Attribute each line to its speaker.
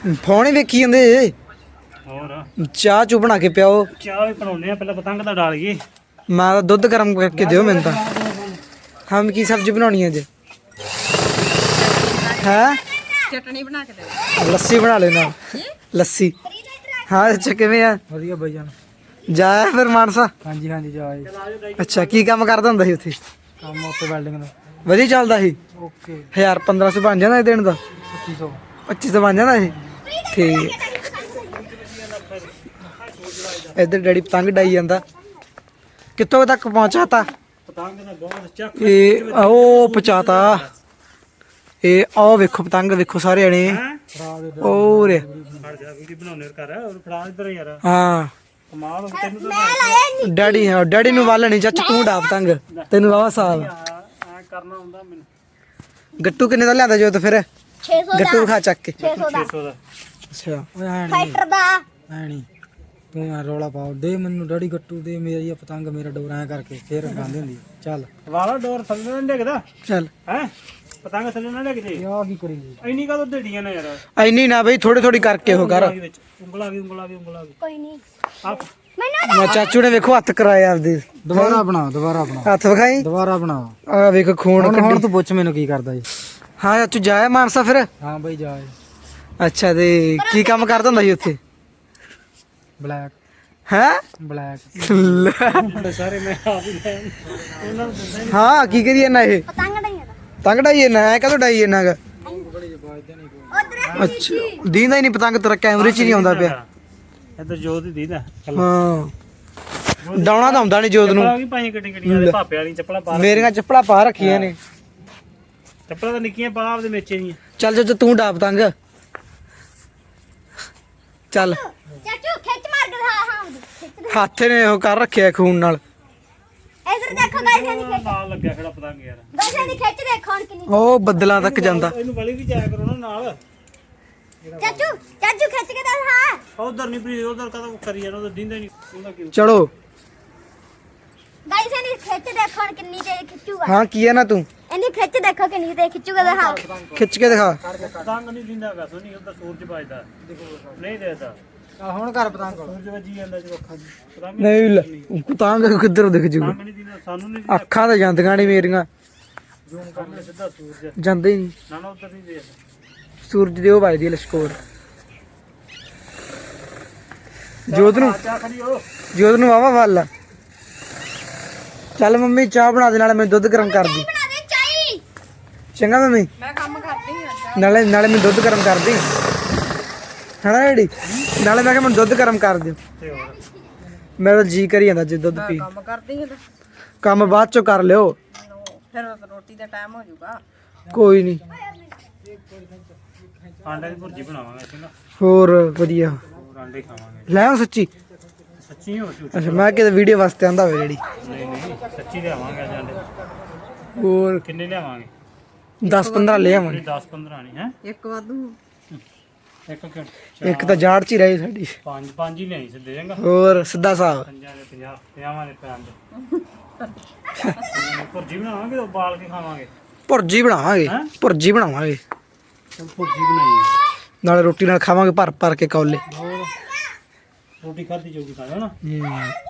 Speaker 1: Phone ਹੀ ਵੇਖੀ ਜਾਂਦੇ।
Speaker 2: ਹੋਰ
Speaker 1: ਚਾਹ ਚੂ ਬਣਾ ਕੇ ਪਿਆਓ।
Speaker 2: ਚਾਹ ਵੀ ਬਣਾਉਣੇ ਆ, ਪਹਿਲਾਂ ਪਤੰਗ ਤਾਂ ਡਾਲੀਏ।
Speaker 1: ਮੈਂ ਤਾਂ ਦੁੱਧ ਗਰਮ ਕਰਕੇ ਦਿਓ ਮੈਨੂੰ ਤਾਂ। ਹਮ ਕੀ ਸਬਜ਼ੀ ਬਣਾਉਣੀ ਹੈ ਅੱਜ? ਹੈ
Speaker 3: ਚਟਣੀ ਬਣਾ ਕੇ ਦੇ।
Speaker 1: ਲੱਸੀ ਬਣਾ ਲੈਣਾ। ਲੱਸੀ। ਹਾਂ ਅੱਛਾ ਕਿਵੇਂ ਆ?
Speaker 4: ਵਧੀਆ ਬਾਈ ਜਾਨ।
Speaker 1: ਜਾਇਆ ਫਿਰ ਮਾਨਸਾ?
Speaker 4: ਹਾਂਜੀ ਹਾਂਜੀ ਜਾਏ।
Speaker 1: ਅੱਛਾ ਕੀ ਕੰਮ ਕਰਦਾ ਹੁੰਦਾ ਸੀ ਉੱਥੇ?
Speaker 4: ਕੰਮ ਉੱਤੇ ਵੈਲਡਿੰਗ ਦਾ।
Speaker 1: ਵਧੀਆ ਚੱਲਦਾ ਸੀ?
Speaker 4: ਓਕੇ।
Speaker 1: 1000 1500 ਬਣ ਜਾਂਦਾ ਇਹ ਦਿਨ ਦਾ?
Speaker 4: 2500।
Speaker 1: 2500 ਬਣ ਜਾਂਦਾ ਸੀ? ਠੀਕ। ਇੱਧਰ ਡੈਡੀ ਪਤੰਗ ਡਾਈ ਜਾਂਦਾ। ਕਿੱਥੋਂ ਤੱਕ ਪਹੁੰਚਾ ਤਾ?
Speaker 2: ਪਤੰਗ ਦਾ ਬਹੁਤ ਚੱਕ
Speaker 1: ਇਹ ਉਹ ਪਹੁੰਚਾਤਾ। ਇਹ ਆਹ ਵੇਖੋ ਪਤੰਗ ਵੇਖੋ ਸਾਰੇ ਜਣੇ। ਹੋਰ
Speaker 2: ਫੜ ਜਾ ਵੀਡੀਓ ਬਣਾਉਣੇ ਕਰ ਔਰ ਫੜਾ ਇੱਧਰ ਯਾਰ।
Speaker 1: ਹਾਂ
Speaker 2: ਕਮਾਲ ਹੋ ਤੈਨੂੰ ਤਾਂ
Speaker 1: ਡੈਡੀ। ਹਾਂ ਡੈਡੀ ਨੂੰ ਵੱਲ ਨਹੀਂ ਚਾਚਾ ਤੂੰ ਡਾ ਪਤੰਗ। ਤੈਨੂੰ ਵਾਵਾ ਸਾਲ
Speaker 2: ਐ ਕਰਨਾ ਹੁੰਦਾ ਮੈਨੂੰ।
Speaker 1: ਗੱਟੂ ਕਿੰਨੇ ਦਾ ਲਿਆਂਦਾ ਜੋ ਫਿਰ?
Speaker 3: 600
Speaker 1: ਗੱਟੂ ਖਾ ਚੱਕ ਕੇ।
Speaker 3: 600 ਦਾ
Speaker 2: 600 ਦਾ
Speaker 1: ਅੱਛਾ
Speaker 4: ਓਏ ਐ
Speaker 3: ਫਾਈਟਰ ਦਾ।
Speaker 4: ਨਹੀਂ ਤੂੰ ਯਾਰ ਰੌਲਾ ਪਾਓ ਦੇ ਮੈਨੂੰ ਡੈਡੀ ਗੱਟੂ ਦੇ ਮੇਰੀ ਆ ਪਤੰਗ ਮੇਰਾ ਡੋਰ ਐ ਕਰਕੇ ਫੇਰ ਗਾਂਦੇ ਹੁੰਦੀ ਆ। ਚੱਲ
Speaker 2: ਵਾਲਾ ਡੋਰ ਥੱਲੇ ਨਾ ਡਿੱਗਦਾ
Speaker 1: ਚੱਲ।
Speaker 2: ਹੈ ਪਤੰਗ ਥੱਲੇ ਨਾ ਡਿੱਗ ਜੇ।
Speaker 4: ਆ ਕੀ ਕਰੀ
Speaker 2: ਇੰਨੀ ਕਾ ਢੇੜੀਆਂ ਨੇ ਯਾਰ।
Speaker 1: ਐਨੀ ਨਾ ਬਈ ਥੋੜੀ ਥੋੜੀ ਕਰਕੇ ਉਹ ਕਰ।
Speaker 2: ਉਂਗਲ ਆ ਗਈ ਉਂਗਲ ਆ ਗਈ ਉਂਗਲ ਆ ਗਈ।
Speaker 3: ਕੋਈ ਨਹੀਂ
Speaker 2: ਆ
Speaker 3: ਮੈਨੂੰ
Speaker 1: ਮੈਂ ਚਾਚੂ ਨੇ ਵੇਖੋ ਹੱਥ ਕਰਾਇਆ ਆਪਦੇ।
Speaker 4: ਦੁਬਾਰਾ ਬਣਾ ਦੁਬਾਰਾ ਬਣਾ
Speaker 1: ਹੱਥ ਵਿਖਾਈ।
Speaker 4: ਦੁਬਾਰਾ ਬਣਾ।
Speaker 1: ਆ ਵੇਖ ਖੂਨ
Speaker 4: ਹੁਣ
Speaker 1: ਕੱਢੀ।
Speaker 4: ਤੂੰ ਪੁੱਛ ਮੈਨੂੰ ਕੀ ਕਰਦਾ ਜੀ।
Speaker 1: ਹਾਂ ਚਾਚੂ ਜਾਇਆ ਮਾਨਸਾ ਫਿਰ?
Speaker 4: ਹਾਂ ਬਾਈ ਜਾਏ।
Speaker 1: ਅੱਛਾ ਤੇ ਕੀ ਕੰਮ ਕਰਦਾ ਹੁੰਦਾ ਸੀ ਉੱਥੇ?
Speaker 4: ਬਲੈਕ
Speaker 1: ਹੈ
Speaker 4: ਬਲੈਕ।
Speaker 2: ਸਾਰੇ ਮੈਂ ਆਪ ਹੀ ਲੈ ਉਹਨਾਂ ਨੂੰ ਦਿੰਦਾ ਹੀ
Speaker 1: ਹਾਂ ਕੀ ਕਰੀਏ ਨਾ ਇਹ
Speaker 3: ਪਤੰਗ ਨਹੀਂ ਆਦਾ
Speaker 1: ਪਤੰਗ ਡਾਈਏ ਨਾ ਐ ਕਦੋਂ ਡਾਈਏ ਨਾ
Speaker 3: ਉਧਰ
Speaker 1: ਅੱਛਾ ਦੀਂਦਾ ਹੀ ਨਹੀਂ ਪਤੰਗ ਤੇਰਾ ਕੈਮਰੇ 'ਚ ਹੀ ਨਹੀਂ ਆਉਂਦਾ ਪਿਆ।
Speaker 2: ਇੱਧਰ ਜੋਤ ਹੀ ਦੀਦਾ।
Speaker 1: ਹਾਂ ਡਾਉਣਾ ਤਾਂ ਹੁੰਦਾ ਨਹੀਂ ਜੋਤ ਨੂੰ।
Speaker 2: ਚੱਪਲਾਂ ਵੀ ਪਾਈਆਂ ਗੱਡੀ ਗੱਡੀਆਂ ਦੇ ਭਾਪੇ ਵਾਲੀ ਚੱਪਲਾਂ ਪਾ
Speaker 1: ਮੇਰੀਆਂ ਚੱਪਲਾਂ ਪਾ ਰੱਖੀਆਂ ਨੇ।
Speaker 2: ਚੱਪਲਾਂ ਤਾਂ ਨਿੱਕੀਆਂ ਪਾ ਆਪਦੇ ਮੇਚੇ ਦੀਆਂ।
Speaker 1: ਚੱਲ ਚਾਚਾ ਤੂੰ ਡਾ ਪਤੰਗ ਚੱਲ।
Speaker 3: ਚਾਚੂ ਖਿੱਚ ਮਾਰ ਕੇ ਹਾਂ ਹਾਂ ਖਿੱਚ
Speaker 1: ਹੱਥ ਨੇ ਉਹ ਕਰ ਰੱਖਿਆ ਖੂਨ ਨਾਲ।
Speaker 3: ਇਧਰ ਦੇਖੋ ਗਾਇਸ ਦੀ ਖਿੱਚ
Speaker 2: ਨਾਲ ਲੱਗਿਆ ਖੜਾ ਪਤੰਗ ਯਾਰ।
Speaker 3: ਗਾਇਸ ਦੀ ਖਿੱਚ ਦੇਖੋ ਹੁਣ ਕਿੰਨੀ।
Speaker 1: ਉਹ ਬੱਦਲਾਂ ਤੱਕ ਜਾਂਦਾ।
Speaker 2: ਇਹਨੂੰ ਵਾਲੀ ਵੀ ਜਾਇਆ ਕਰੋ ਨਾ ਨਾਲ।
Speaker 3: ਚਾਚੂ ਚਾਚੂ ਖਿੱਚ ਕੇ ਦੱਸ ਹਾਂ।
Speaker 2: ਉਧਰ ਨਹੀਂ ਪ੍ਰੀ ਉਧਰ ਕਦਾ ਕਰੀ ਜਾਣਾ ਉਧਰ ਦਿੰਦਾ ਨਹੀਂ ਉਹਦਾ ਕੀ।
Speaker 1: ਚਲੋ
Speaker 3: ਗਾਇਸ ਦੀ ਖਿੱਚ ਦੇਖੋ ਹੁਣ ਕਿੰਨੀ ਤੇ ਖਿੱਚੂਗਾ।
Speaker 1: ਹਾਂ ਕੀ ਹੈ ਨਾ ਤੂੰ
Speaker 3: ਇਹਦੀ ਖਿੱਚ ਦੇਖੋ ਕਿੰਨੀ ਤੇ ਖਿੱਚੂਗਾ ਦਿਖਾ।
Speaker 1: ਖਿੱਚ ਕੇ ਦਿਖਾ।
Speaker 2: ਪਤੰਗ ਨਹੀਂ ਦਿੰਦਾਗਾ ਸੋਨੀ ਉਧਰ ਸੂਰਜ ਵੱਜਦਾ ਨਹੀਂ ਦੇਦਾ।
Speaker 4: ਆ ਹੁਣ ਕਰ ਪਤੰਗ
Speaker 2: ਸੂਰਜ ਵੱਜੀ ਜਾਂਦਾ ਜਦੋਂ ਅੱਖਾਂ 'ਚ ਪਤੰਗ
Speaker 1: ਨਹੀਂ ਪਤੰਗ ਕਿੱਧਰ ਦਿਖ ਜੂਗਾ?
Speaker 2: ਨਹੀਂ ਦਿੰਦਾ ਸਾਨੂੰ ਨਹੀਂ
Speaker 1: ਅੱਖਾਂ ਤਾਂ ਜਾਂਦੀਆਂ ਨਹੀਂ ਮੇਰੀਆਂ।
Speaker 2: ਜ਼ੂਮ ਕਰਨਾ ਸਿੱਧਾ ਸੂਰਜ
Speaker 1: ਜਾਂਦੇ ਹੀ ਨਹੀਂ।
Speaker 2: ਨਾ ਉਧਰ ਨਹੀਂ ਦੇਖਦਾ।
Speaker 1: ਸੂਰਜ ਦੇ ਉਹ ਵੱਜਦੀ ਲਸ਼ਕੋਰ। ਜੋਤ ਨੂੰ
Speaker 2: ਚਾਹ ਖੜੀ ਹੋ।
Speaker 1: ਜੋਤ ਨੂੰ ਵਾਵਾ ਵੱਲ ਆ। ਚੱਲ ਮੰਮੀ ਚਾਹ ਬਣਾ ਦੇ ਨਾਲੇ ਮੈਂ ਦੁੱਧ ਗਰਮ ਕਰਦੀ।
Speaker 3: ਬਣਾ ਦੇ ਚਾਈ।
Speaker 1: ਚੰਗਾ ਮੰਮੀ
Speaker 3: ਮੈਂ ਕੰਮ ਕਰਦੀ ਹਾਂ।
Speaker 1: ਨਾਲੇ ਮੈਂ ਦੁੱਧ ਗਰਮ ਕਰਦੀ ਹਣਾ ਡੈਡੀ। ਨਾਲੇ ਮੈਂ ਕਿਹਾ ਮੈਨੂੰ ਦੁੱਧ ਗਰਮ ਕਰ ਦਿਓ।
Speaker 2: ਤੇ ਹੋਰ
Speaker 1: ਮੇਰਾ ਜੀ ਕਰੀ ਜਾਂਦਾ ਜੇ ਦੁੱਧ ਪੀ।
Speaker 3: ਕੰਮ ਕਰਦੀ ਹਾਂ
Speaker 1: ਕੰਮ ਬਾਅਦ ਚੋਂ ਕਰ ਲਿਓ।
Speaker 3: ਫਿਰ ਰੋਟੀ ਦਾ ਟਾਈਮ ਹੋ ਜਾਊਗਾ।
Speaker 1: ਕੋਈ ਨਹੀਂ।
Speaker 2: ਆਂਡੇ ਦੀ ਭੁਰਜੀ ਬਣਾਵਾਂਗੇ ਚੰਗਾ।
Speaker 1: ਹੋਰ ਵਧੀਆ।
Speaker 2: ਹੋਰ ਆਂਡੇ ਖਾਵਾਂਗੇ।
Speaker 1: ਲੈ ਆਓ ਸੱਚੀ।
Speaker 2: ਸੱਚੀ ਹੋ ਝੂਠ?
Speaker 1: ਅੱਛਾ ਮੈਂ ਕਿਤੇ ਵੀਡੀਓ ਵਾਸਤੇ ਆਂਦਾ ਹੋਵੇ ਡੈਡੀ।
Speaker 2: ਨਹੀਂ ਨਹੀਂ ਸੱਚੀ ਲਿਆਵਾਂਗੇ ਅੱਜ ਆਂਡੇ।
Speaker 1: ਹੋਰ
Speaker 2: ਕਿੰਨੇ ਲਿਆਵਾਂਗੇ?
Speaker 1: 10 15 ਲੈ ਆਵਾਂਗੇ।
Speaker 2: 10 15 ਨਹੀਂ ਹੈ
Speaker 3: ਇੱਕ ਵਾਧੂ।
Speaker 2: ਇੱਕ ਕਿਉਂ?
Speaker 1: ਇੱਕ ਤਾਂ ਜਾੜ ਚ ਹੀ ਰਹੀ ਸਾਡੀ।
Speaker 2: ਪੰਜ ਹੀ ਲਿਆਈ ਸਿੱਧੇ ਚੰਗਾ।
Speaker 1: ਹੋਰ ਸਿੱਧਾ ਸਾਹ।
Speaker 2: ਪੰਜਾਂ ਦੇ 50 50 ਦੇ ਪੈਣ ਦੇ। ਭੁਰਜੀ ਬਣਾਵਾਂਗੇ ਉਹ ਬਾਲ ਕੇ ਖਾਵਾਂਗੇ।
Speaker 1: ਭੁਰਜੀ ਬਣਾਵਾਂਗੇ।
Speaker 2: ਹੈਂ?
Speaker 1: ਭੁਰਜੀ ਬਣਾਵਾਂਗੇ
Speaker 2: ਚਲ ਭੁਰਜੀ ਬਣਾਈਏ।
Speaker 1: ਨਾਲੇ ਰੋਟੀ ਨਾਲ ਖਾਵਾਂਗੇ ਭਰ ਭਰ ਕੇ ਕੌਲੇ।
Speaker 2: ਹੋਰ ਰੋਟੀ ਖਾਧੀ ਜਾਊਗੀ ਤਾਂ ਹੈ ਨਾ।